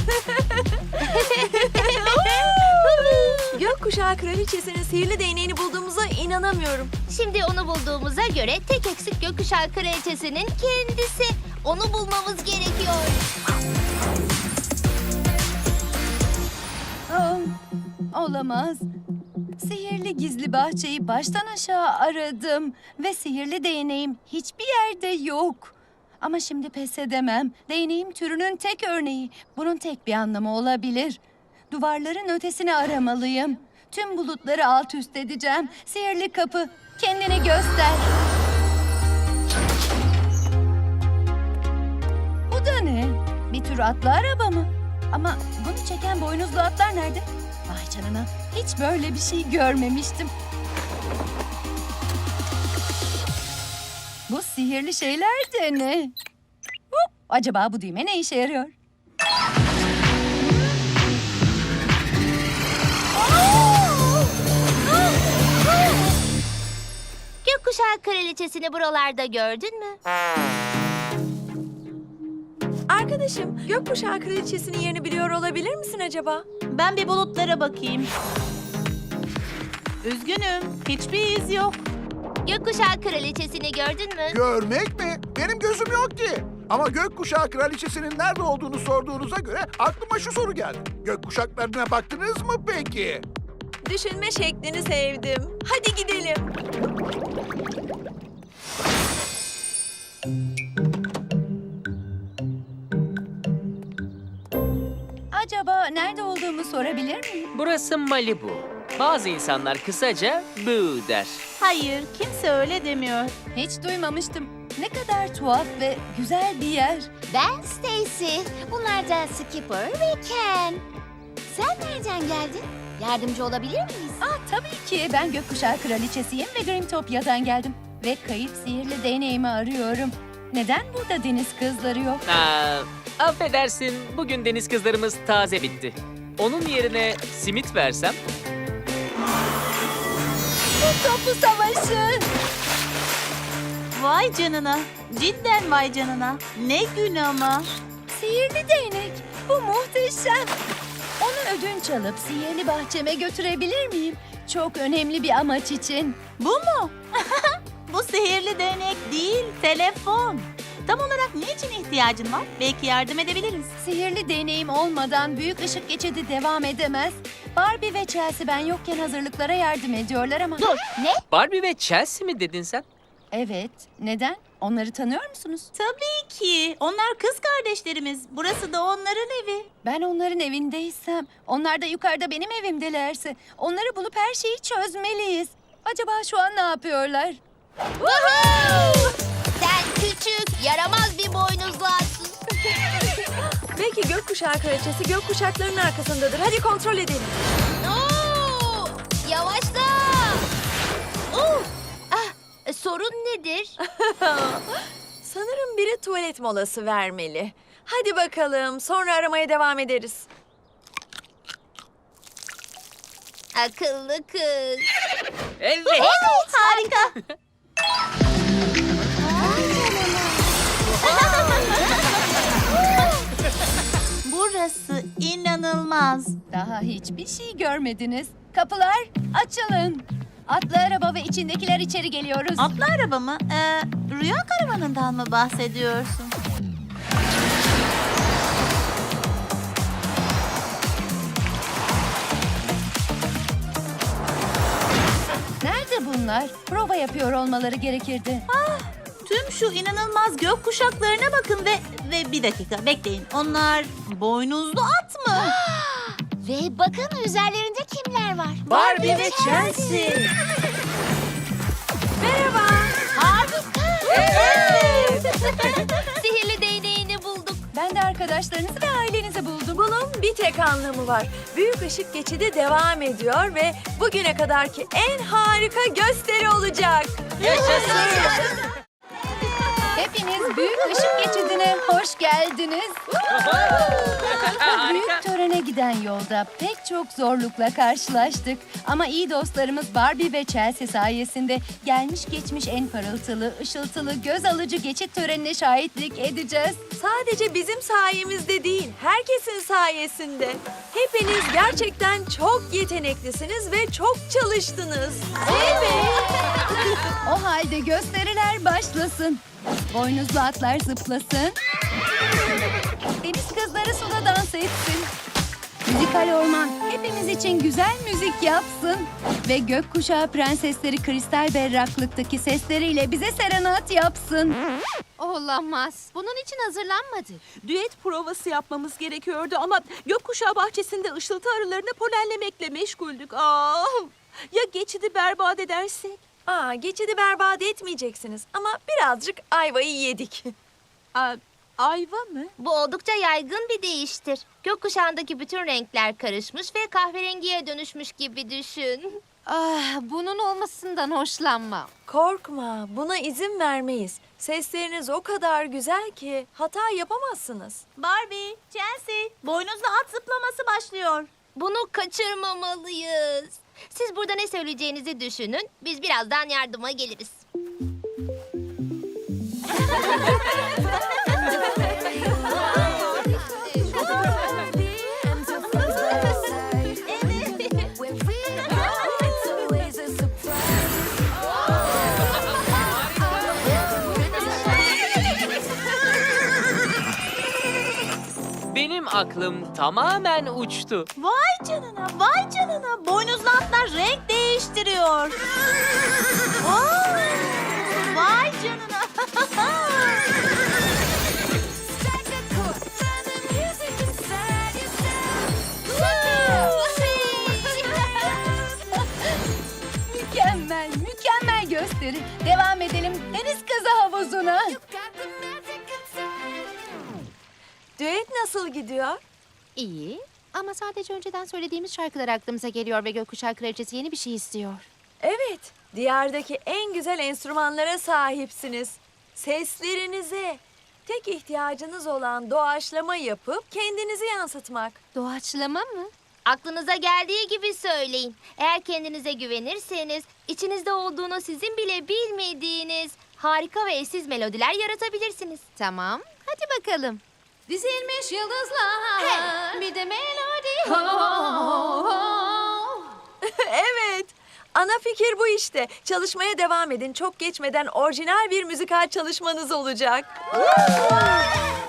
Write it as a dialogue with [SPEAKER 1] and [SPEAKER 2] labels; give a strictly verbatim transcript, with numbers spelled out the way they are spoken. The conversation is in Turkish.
[SPEAKER 1] Gökkuşağı Kraliçesi'nin sihirli değneğini bulduğumuza inanamıyorum.
[SPEAKER 2] Şimdi onu bulduğumuza göre tek eksik gökkuşağı kraliçesinin kendisi. Onu bulmamız gerekiyor.
[SPEAKER 3] Aa, olamaz. Sihirli gizli bahçeyi baştan aşağı aradım ve sihirli değneğim hiçbir yerde yok. Ama şimdi pes edemem. Değneğim türünün tek örneği. Bunun tek bir anlamı olabilir. Duvarların ötesini aramalıyım. Tüm bulutları alt üst edeceğim. Sihirli kapı, kendini göster. Bu da ne? Bir tür atlı araba mı? Ama bunu çeken boynuzlu atlar nerede? Vay canına, hiç böyle bir şey görmemiştim. Bu sihirli şeyler de ne? Hop, acaba bu düğme ne işe yarıyor?
[SPEAKER 2] Gökkuşağı kraliçesini buralarda gördün mü?
[SPEAKER 1] Arkadaşım, Gökkuşağı Kraliçesi'nin yerini biliyor olabilir misin acaba?
[SPEAKER 4] Ben bir bulutlara bakayım. Üzgünüm, hiçbir iz yok.
[SPEAKER 2] Gökkuşağı kraliçesini gördün mü?
[SPEAKER 5] Görmek mi? Benim gözüm yok ki. Ama gökkuşağı kraliçesinin nerede olduğunu sorduğunuza göre aklıma şu soru geldi. Gökkuşaklarına baktınız mı peki?
[SPEAKER 1] Düşünme şeklini sevdim. Hadi gidelim.
[SPEAKER 3] Acaba nerede olduğumu sorabilir miyim?
[SPEAKER 6] Burası Malibu. Bazı insanlar kısaca Boo der.
[SPEAKER 4] Hayır, kimse öyle demiyor.
[SPEAKER 3] Hiç duymamıştım. Ne kadar tuhaf ve güzel bir yer.
[SPEAKER 2] Ben Stacy. Bunlar da Skipper ve Ken. Sen nereden geldin? Yardımcı olabilir miyiz?
[SPEAKER 3] Aa, tabii ki. Ben Gökkuşağı Kraliçesiyim ve Grimtopya'dan geldim. Ve kayıp sihirli değneğimi arıyorum. Neden burada deniz kızları yok?
[SPEAKER 6] Aa, affedersin, bugün deniz kızlarımız taze bitti. Onun yerine simit versem?
[SPEAKER 3] Topu savaşı.
[SPEAKER 4] Vay canına, cidden vay canına. Ne gün ama.
[SPEAKER 3] Sihirli değnek. Bu muhteşem. Onu ödünç alıp sihirli bahçeme götürebilir miyim? Çok önemli bir amaç için.
[SPEAKER 4] Bu mu? Bu sihirli değnek değil, telefon. Tam olarak niçin ihtiyacın var? Belki yardım edebiliriz.
[SPEAKER 3] Sihirli değneğim olmadan büyük ışık geçidi devam edemez. Barbie ve Chelsea ben yokken hazırlıklara yardım ediyorlar ama...
[SPEAKER 2] Dur, ne?
[SPEAKER 6] Barbie ve Chelsea mi dedin sen?
[SPEAKER 3] Evet, neden? Onları tanıyor musunuz?
[SPEAKER 4] Tabii ki. Onlar kız kardeşlerimiz. Burası da onların evi.
[SPEAKER 3] Ben onların evindeysem, onlar da yukarıda benim evimdelerse... ...onları bulup her şeyi çözmeliyiz. Acaba şu an ne yapıyorlar?
[SPEAKER 2] Sen küçük, yaramaz bir boynuzlu atsın.
[SPEAKER 1] Belki Gökkuşağı Kraliçesi gökkuşaklarının arkasındadır. Hadi kontrol edelim.
[SPEAKER 2] Oo, yavaşla. Oo, ah, e, sorun nedir?
[SPEAKER 1] Sanırım biri tuvalet molası vermeli. Hadi bakalım, sonra aramaya devam ederiz.
[SPEAKER 2] Akıllı kız.
[SPEAKER 6] Evet.
[SPEAKER 2] Evet, harika.
[SPEAKER 4] Burası inanılmaz.
[SPEAKER 3] Daha hiçbir şey görmediniz. Kapılar açılın. Atlı araba ve içindekiler içeri geliyoruz.
[SPEAKER 4] Atlı araba mı? Ee, rüya karavanından mı bahsediyorsun?
[SPEAKER 3] Nerede bunlar? Prova yapıyor olmaları gerekirdi.
[SPEAKER 4] Tüm şu inanılmaz gök kuşaklarına bakın ve ve bir dakika bekleyin. Onlar boynuzlu at mı?
[SPEAKER 2] Ve bakın üzerlerinde kimler var?
[SPEAKER 6] Barbie ve Chelsea.
[SPEAKER 1] Merhaba.
[SPEAKER 2] Harika. Evet. Sihirli değneğini bulduk.
[SPEAKER 3] Ben de arkadaşlarınızı ve ailenizi buldum.
[SPEAKER 1] Bunun bir tek anlamı var. Büyük ışık geçidi devam ediyor ve bugüne kadarki en harika gösteri olacak.
[SPEAKER 3] Hepiniz büyük ışık geçidine hoş geldiniz. Bu büyük törene giden yolda pek çok zorlukla karşılaştık. Ama iyi dostlarımız Barbie ve Chelsea sayesinde gelmiş geçmiş en parıltılı, ışıltılı, göz alıcı geçit törenine şahitlik edeceğiz.
[SPEAKER 1] Sadece bizim sayemizde değil, herkesin sayesinde. Hepiniz gerçekten çok yeteneklisiniz ve çok çalıştınız.
[SPEAKER 3] O halde gösteriler başlasın. Boynuzlu atlar zıplasın. Deniz kızları suda dans etsin. Müzikal orman hepimiz için güzel müzik yapsın. Ve gökkuşağı prensesleri kristal berraklıktaki sesleriyle bize serenat yapsın.
[SPEAKER 2] Olamaz. Bunun için hazırlanmadık.
[SPEAKER 7] Düet provası yapmamız gerekiyordu ama gökkuşağı bahçesinde ışıltı arılarını polenlemekle meşguldük. Aa, ya geçidi berbat edersek?
[SPEAKER 1] Aa, geçidi berbat etmeyeceksiniz ama birazcık ayvayı yedik.
[SPEAKER 7] Aa, ayva mı?
[SPEAKER 2] Bu oldukça yaygın bir değiştir. Gökkuşağındaki bütün renkler karışmış ve kahverengiye dönüşmüş gibi düşün. Ah, bunun olmasından hoşlanmam.
[SPEAKER 1] Korkma, buna izin vermeyiz. Sesleriniz o kadar güzel ki hata yapamazsınız.
[SPEAKER 4] Barbie, Chelsea, boynuzlu at zıplaması başlıyor.
[SPEAKER 2] Bunu kaçırmamalıyız. Siz burada ne söyleyeceğinizi düşünün. Biz birazdan yardıma geliriz.
[SPEAKER 6] Benim aklım tamamen uçtu.
[SPEAKER 4] Vay canına, vay canına. Boynuzlu atlar renk değiştiriyor. Aa, vay canına.
[SPEAKER 3] Mükemmel, mükemmel gösteri. Devam edelim deniz kızı havuzuna.
[SPEAKER 1] Düet nasıl gidiyor?
[SPEAKER 2] İyi ama sadece önceden söylediğimiz şarkılar aklımıza geliyor ve Gökkuşağı Kraliçesi yeni bir şey istiyor.
[SPEAKER 1] Evet, diyardaki en güzel enstrümanlara sahipsiniz. Seslerinize. Tek ihtiyacınız olan doğaçlama yapıp kendinizi yansıtmak.
[SPEAKER 2] Doğaçlama mı? Aklınıza geldiği gibi söyleyin. Eğer kendinize güvenirseniz içinizde olduğunu sizin bile bilmediğiniz harika ve eşsiz melodiler yaratabilirsiniz. Tamam, hadi bakalım. Dizilmiş yıldızlar, bir de melodi.
[SPEAKER 1] Evet, ana fikir bu işte. Çalışmaya devam edin. Çok geçmeden orijinal bir müzikal çalışmanız olacak.